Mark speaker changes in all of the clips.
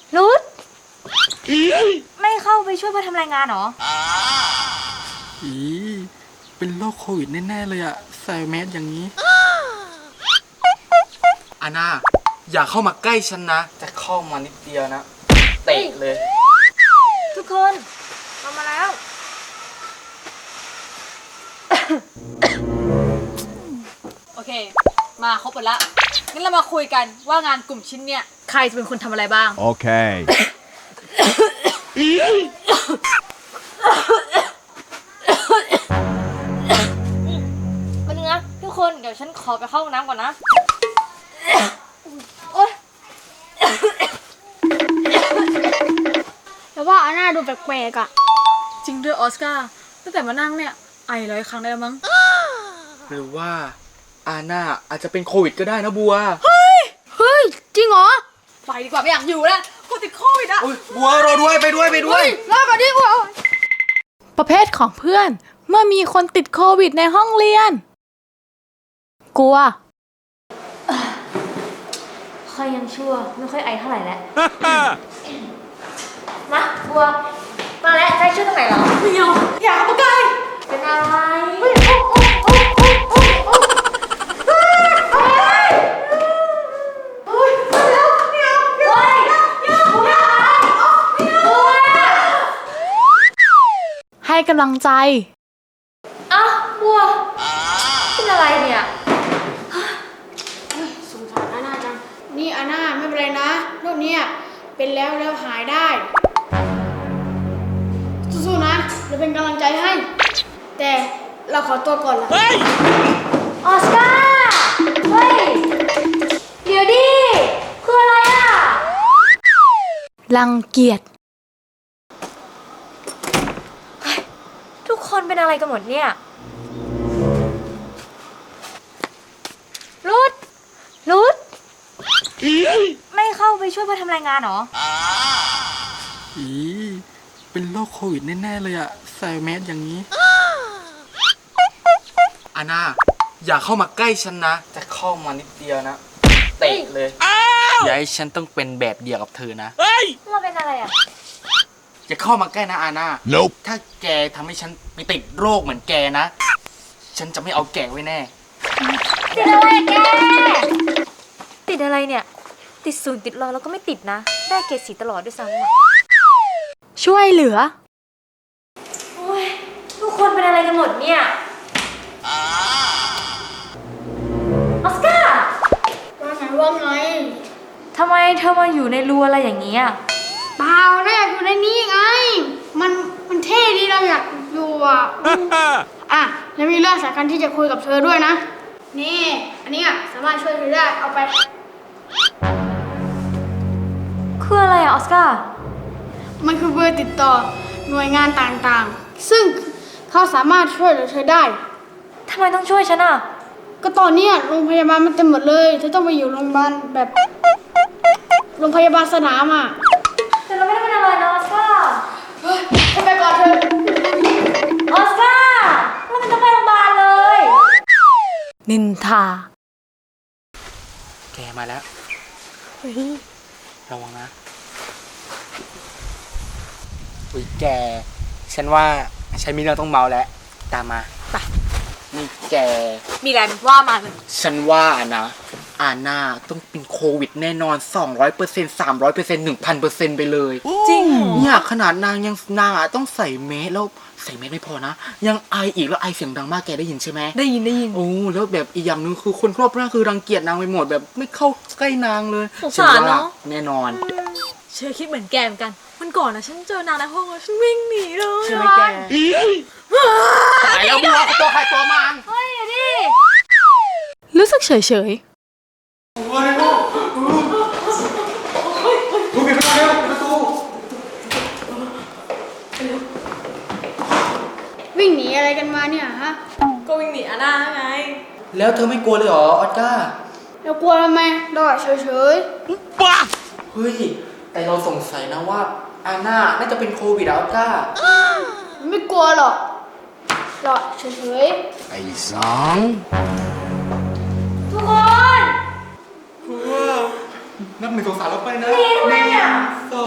Speaker 1: รุดไม่เข้าไปช่วยเพื่อทำรายงานหรอ
Speaker 2: อีเป็นโรคโควิดแน่ๆเลยอะใส่แมสอย่างนี้อาน่าอย่าเข้ามาใกล้ฉันนะจะเข้ามานิดเดียวนะเตะเลย
Speaker 1: ทุกคนมาแล้ว
Speaker 3: โอเคมาครบหมดละงั้นเรามาคุยกันว่างานกลุ่มชิ้นเนี่ยใครจะเป็นคนทำอะไรบ้าง
Speaker 4: โอเค
Speaker 1: มาเนื้อทุกคนเดี๋ยวฉันขอไปเข้าห้องน้ำก่อนนะ
Speaker 5: แล้วว่าอาน่าดูแปลกๆอ่ะ
Speaker 3: จริงด้วยออสการ์ตั้งแต่มานั่งเนี่ยไอ100 ครั้งได้แล้วมั้ง
Speaker 2: หรือว่าอาน่าอาจจะเป็นโควิดก็ได้นะบัว
Speaker 5: เฮ้ยจริงเหรอ
Speaker 3: ไปดีกว่าไม่อยากอยู่แล้วกูติดโควิดอ่ะ
Speaker 2: บัวรอด้วยไปด้วย
Speaker 5: รอก่อนดิบัว
Speaker 6: ประเภทของเพื่อนเมื่อมีคนติดโควิดในห้องเรียนกลัว
Speaker 1: ค่อยยังชั่วไม่ค่อยไอเท่าไหร่แล้วมาบัวมาแล้วใจช่วยตรงไหนเหรอ
Speaker 3: ไม่เอาอยากมาใกล้
Speaker 1: เป็นอะไร
Speaker 6: ให้กำลังใจ
Speaker 1: อ้าวบัวเป็นอะไรเนี่ย
Speaker 5: สงสารอาน่าจังนี่อาน่าไม่เป็นไรนะโรคนี้เป็นแล้วหายได้สู้ๆนะเราเป็นกำลังใจให้แต่เราขอตัวก่อนละ
Speaker 1: ออสการ์เฮ้ยเดี๋ยวดิคืออะไรอ่ะ
Speaker 6: รังเกียจ
Speaker 1: ทุกคนเป็นอะไรกันหมดเนี่ยรุดไม่เข้าไปช่วยเพื่อทำรายงานหรอ
Speaker 2: อีเป็นโรคโควิดแน่ๆเลยอะใส่แมสอย่างนี้อาน่าอย่าเข้ามาใกล้ฉันนะจะเข้ามานิดเดียวนะเตะเลยอย่าให้ฉันต้องเป็นแบบเดียวกับเธอนะ
Speaker 1: เราเป็นอะไรอ่ะ
Speaker 2: อย่าเข้ามาใกล้นะอาน่าถ้าแกทำให้ฉันไปติดโรคเหมือนแกนะฉันจะไม่เอาแกไว้แน่
Speaker 1: ติดอะไรแกติดอะไรเนี่ยติด0ติดรอแล้วก็ไม่ติดนะได้เกรด4ตลอดด้วยซ้ำอ่ะ
Speaker 6: ช่วยเหลือ
Speaker 1: โอ้ยทุกคนเป็นอะไรกันหมดเนี่ยออสการ์
Speaker 5: ว่าไง
Speaker 1: ทำไมเธอมาอยู่ในรูอะไรอย่างนี้อ่ะ
Speaker 5: เปล่าเราอยากอยู่ในนี้ไงมันเท่ดีเราอยากอยู่อ่ะอ่ะแล้วมีเรื่องสำคัญที่จะคุยกับเธอด้วยนะนี่อันนี้สามารถช่วยเธอได้เอาไป
Speaker 1: คืออะไรอะออสการ์
Speaker 5: มันคือเบอร์ติดต่อหน่วยงานต่างๆซึ่งเขาสามารถช่วยเหลือเธอได้
Speaker 1: ทำไมต้องช่วยฉันอะ
Speaker 5: ก็ตอนนี้โรงพยาบาลมันเต็มหมดเลยเธอต้องไปอยู่โรงพยาบาลแบบโรงพยาบาลสนามอ่ะ
Speaker 1: แต่เราไม่ได้เป็นอะไรนะออสการ์
Speaker 5: ฉันไปก่อนเธอ
Speaker 1: ออสการ์เราไม่ต้องไปโรงพยาบาลเลย
Speaker 6: นินทา
Speaker 2: แกมาแล้วระวังนะอุ้ยแกฉันว่าฉันมีเรื่องต้องเมาแล้วตามมา
Speaker 3: ไป
Speaker 2: นี่แก
Speaker 3: มีอะไรว่ามาเลย
Speaker 2: ฉันว่านะอาน่าต้องเป็นโควิดแน่นอน 200% 300% 1,000% ไปเลย
Speaker 3: จริง
Speaker 2: เนี่ยขนาดนางต้องใส่แมสแล้วใส่แมสไม่พอนะยังไออีกแล้วไอเสียงดังมากแกได้ยินใช่ไหม
Speaker 3: ได้ยิน
Speaker 2: โอ้แล้วแบบอีกอย่างนึงคือคนครอบครัวคือรังเกียจนางไปหมดแบบไม่เข้าใกล้นางเลย
Speaker 3: สงสารเนาะ
Speaker 2: แน่นอน
Speaker 3: เชื่อคิดเหมือนแกเหมือนกันวันก่อนนะฉันเจอนางในห้องแล้วฉันวิ่งหนีเลย
Speaker 2: ใช่ไหมแกตายแล้วบัวตัวใครตัวมัน
Speaker 1: เฮ้ยดิ
Speaker 6: รู้สึกเฉย
Speaker 5: วิ่งหนีอะไรกันมาเนี่ยฮะ
Speaker 3: ก็วิ่งหนีอาน่าไง
Speaker 2: แล้วเธอไม่กลัวเลยเหรอออสการ์
Speaker 5: เรากลัวทำไมเราเฉย
Speaker 2: บ้าเฮ้ยแต่เราสงสัยนะว่าอาน่าน่าจะเป็นโควิดออสการ์
Speaker 5: ไม่กลัวหรอกเราเฉย
Speaker 2: ไอ้สอง
Speaker 1: ทุกคน
Speaker 2: นับ1 2 3แล้วไปนะ
Speaker 1: นี่ทำไมอ่ะ
Speaker 2: 1 2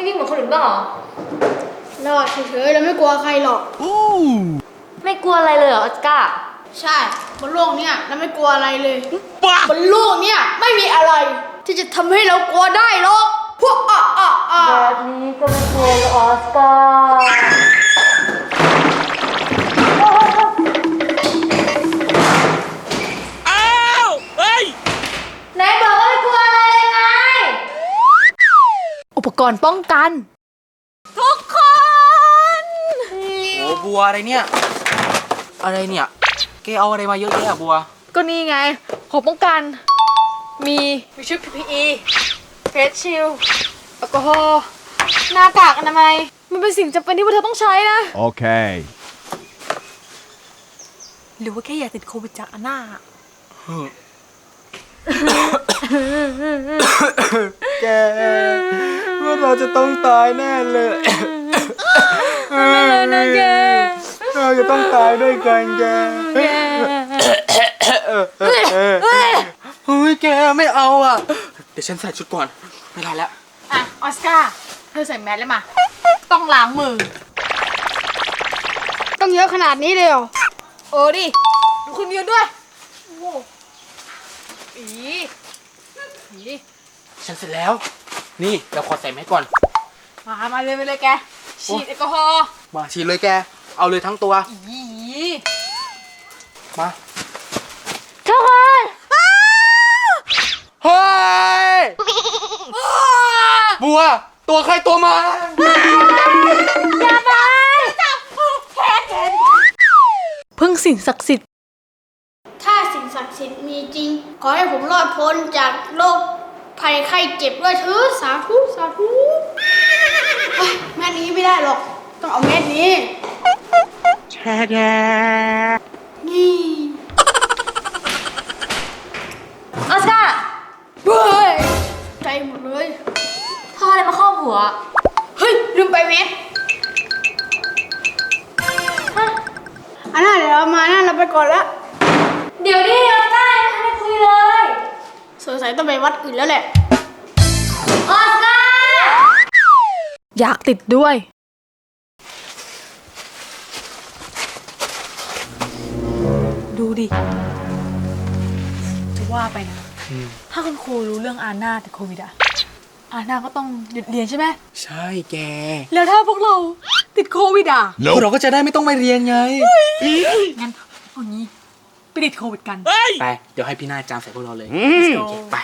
Speaker 1: วิ่งเหมือนคนอื่นบ้างเหรอ
Speaker 5: รอดเฉยๆแล้วไม่กลัวใครหรอก
Speaker 1: ไม่กลัวอะไรเลยเหรอออสการ์
Speaker 5: ใช่บนโลกเนี่ยเราไม่กลัวอะไรเลยบนโลกเนี่ยไม่มีอะไร ที่จะทำให้เรากลัวได้หรอกพวก
Speaker 1: แบบนี้ก็ไม่กลัวหรอกออสการ์ไหนบอกว่าไม่กลัวอะไรเลยไง
Speaker 6: อุปกรณ์ป้องกัน
Speaker 3: ทุกคน
Speaker 2: โอ้บัวอะไรเนี่ย อะไรเนี่ยแกเอาอะไรมาเยอะแยะอะบัว
Speaker 3: ก็นี่ไงของป้องกัน มีชุด PPE เฟสชิลแอลกอฮอล์หน้ากากอนามัย มันเป็นสิ่งจำเป็นที่พวกเธอต้องใช้นะ
Speaker 4: Okay.
Speaker 3: หรือว่าแค่อยากติดโควิดจากอาน่า
Speaker 2: แกว่าเราจะต้องตายแน่เลยนะแกเราจะต้องตายด้วยกันแกเฮ้ยแกไม่เอาอ่ะเดี๋ยวฉันใส่ชุดก่อนไม่ได้แล้ว
Speaker 3: อ่ะ ออสการ์ เธอใส่แมสเลยมา ต้องล้างมือ
Speaker 5: ต้องเยอะขนาดนี้เลยเหรอ
Speaker 3: โอ้ดิดูคุณยืนด้วย โอ้โหอีอี
Speaker 2: ฉันเสร็จแล้ว นี่เราขอใส่แมสก่อน
Speaker 3: มาเลยแก ฉีดแอลกอฮอล์
Speaker 2: มาฉีดเลยแกเอาเลยทั้งตัว
Speaker 3: อี
Speaker 2: มา
Speaker 1: ทุกคน
Speaker 2: เฮ้ยบัวตัวใครตัวมัน
Speaker 1: อย่าไป
Speaker 6: พึ่งสิ่งศักดิ์สิทธิ์
Speaker 5: ถ้าสิ่งศักดิ์สิทธิ์มีจริง ขอให้ผมรอดพ้นจากโรคภัยไข้เจ็บด้วยเถิดสาธุสาธุเฮ้ยแม่นี้ไม่ได้หรอก ต้องเอาเม็ดนี้นี่
Speaker 1: ออสการ์
Speaker 5: เฮ้ยใจหมดเลย
Speaker 1: เธออะไรมาครอบหัว
Speaker 5: เฮ้ย ลืมไปเม็ด
Speaker 1: ฮะ
Speaker 5: อันนั้นเดี๋ยวเรามานั่นเราไปก่อนละ
Speaker 1: เดี๋ยวดิออสการ์ยังไม่ได้คุยเลย
Speaker 5: สงสัยต้องไปวัดอื่นแล้วแหละ
Speaker 1: ออสการ์
Speaker 6: อยากติดด้วย
Speaker 3: ดูดิ จะว่าไปนะ ถ้าคุณครูรู้เรื่องอาน่าติดโควิดอะอาน่าก็ต้องหยุดเรียนใช่ไหม
Speaker 2: ใช่แก
Speaker 3: แล้วถ้าพวกเราติดโควิดอะ
Speaker 2: พวกเราก็จะได้ไม่ต้องไปเรียนไง
Speaker 3: งั้นเอางี้ไปติดโควิดกัน
Speaker 2: ไป เดี๋ยวให้พี่หน้าจามใส่พวกเราเลย
Speaker 3: Let's go
Speaker 2: โอเคไป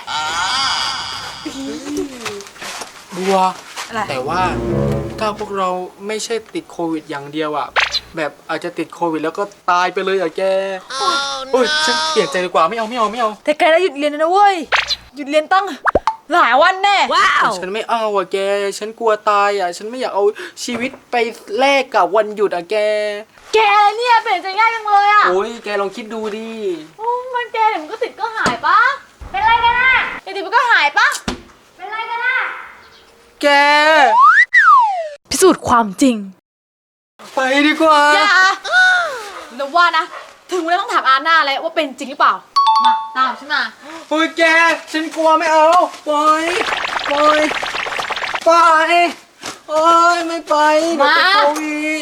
Speaker 2: บัว
Speaker 3: อะไร
Speaker 2: แต่ว่าถ้าพวกเราไม่ใช่ติดโควิดอย่างเดียวอะแบบอาจจะติดโควิดแล้วก็ตายไปเลยอะแกโอ้ยฉันเปลี่ยนใจดีกว่าไม่เอา
Speaker 3: แต่แกได้หยุดเรียนนะเว้ย หยุดเรียนตั้งหลายวันแน่
Speaker 2: ฉันไม่เอาอะแก ฉันกลัวตายอะฉันไม่อยากเอาชีวิตไปแลกกับวันหยุดอะแก
Speaker 3: แกเนี่ยเปลี่ยนใจง่ายจังเลยอะ
Speaker 2: โอ้ยแกลองคิดดูดิ
Speaker 3: โอ้มันแกเดี๋ยวมันก็ติดก็หายปะ
Speaker 1: เป็นไรกันน่ะ
Speaker 3: เดี๋ยวติดมันก็หายปะ
Speaker 1: เป็นไรกันน่ะ
Speaker 2: แก
Speaker 6: พิสูจน์ความจริง
Speaker 2: ไปดีกว่า
Speaker 3: อย่าแล้วว่านะ ถึงเวลาต้องถามอาน่าแล้วว่าเป็นจริงหรือเปล่า มาตามฉันมา
Speaker 2: โอ้ยแก ฉันกลัวไม่เอาปล่อยโอ้ยไม่ไปเดี๋ยวติดโควิด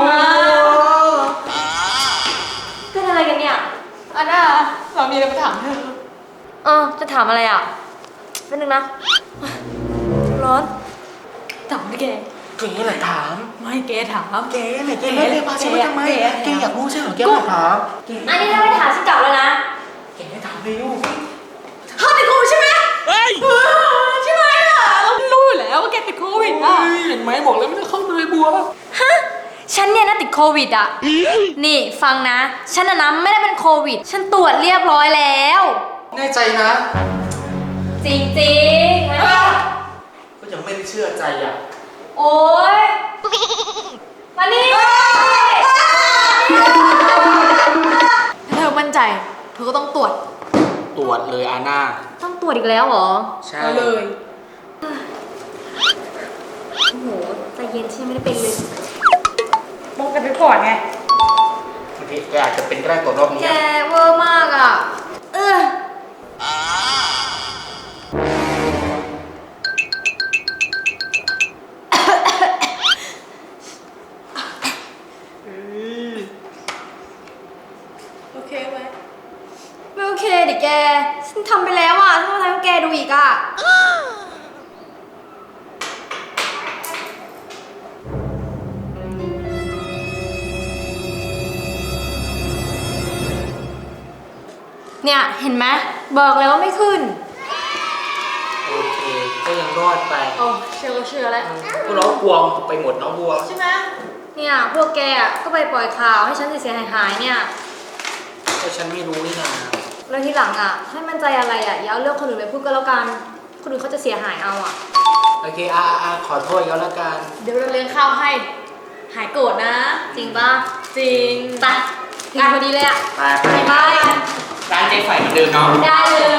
Speaker 1: เป็นอะไรกันเนี่ย
Speaker 3: อาน่าเรามีอะไรมาถามเธอ
Speaker 1: จะถามอะไรอ่ะเป็นนึงนะ ร้อน ถามดิแก
Speaker 2: แกแหละถาม
Speaker 3: ไม่แกถาม
Speaker 2: แกไหนแกเรียกพาฉันมาทำไมแกอยากรู้ใช่เหรอแกมาถามแก
Speaker 1: อันนี้ถ้าไม่ถามฉันกลับแล้วนะ
Speaker 2: แกถามเลยลูก
Speaker 3: เธอติดโควิดใช่ไหมใช่ไหมล่ะเรารู้อยู่แล้วว่าแกติดโควิดอ่ะ
Speaker 2: เห็นไหมบอกแล้วไม่ต้องเข้าเลยบัว
Speaker 1: ฮะ ฉันเนี่ยนะติดโควิดอ่ะ นี่ฟังนะ ฉันนะไม่ได้เป็นโควิด ฉันตรวจเรียบร้อยแล้ว
Speaker 2: แน่ใจนะ
Speaker 1: จริงๆนะ
Speaker 2: ก็ยังไม่ได้เชื่อใจอ่ะ
Speaker 1: โอ๊ย มานี่
Speaker 3: ถ้าเธอมั่นใจ เธอก็ต้องตรวจ
Speaker 2: ตรวจเลยอาน่า
Speaker 1: ต้องตรวจอีกแล้วเหรอ
Speaker 2: ใช่
Speaker 3: เอาเลย
Speaker 1: โอ้โห ใจเย็นที่ไม่ได้เป็นเลย
Speaker 3: ป้องกันไว้ก่อนไง
Speaker 2: บางทีแกอาจจะเป็นก็ได้ตรวจรอบนี้
Speaker 1: แกเวอร์มากอ่ะ
Speaker 2: อ
Speaker 1: ดูอีกอ่ะ เนี่ย เห็นไหมบอกแล้วว่าไม่ขึ้น
Speaker 2: โอเค ก็ยังรอดไป
Speaker 3: โอ้เชื่อก็เชื่อแล้ว
Speaker 2: พวกเรากลัวไปหมดเนาะบัว
Speaker 3: ใช่ไหม
Speaker 1: เนี่ยพวกแกอ่ะก็ไปปล่อยข่าวให้ฉันเสียหายๆเนี่ย
Speaker 2: ก็ฉันไม่รู้นี่นา
Speaker 1: แล้วทีหลังอ่ะให้มั่นใจอะไรอ่ะอย่าเอาเรื่องคนอื่นไปพูดก็แล้วกัน คนอื่นเขาจะเสียหายเอาอ่ะ
Speaker 2: โอเคขอโทษเขาแล้วกัน
Speaker 3: เดี๋ยวเราเลี้ยงข้าวให้ หายโกรธนะ
Speaker 1: จริงปะ
Speaker 3: จริง
Speaker 1: ไปถึงพอดีเลยอ่ะ
Speaker 2: ไป
Speaker 1: ไป
Speaker 2: ร้านเจ๊ไฝเหมือนเดิมเนาะ
Speaker 1: ได้เลย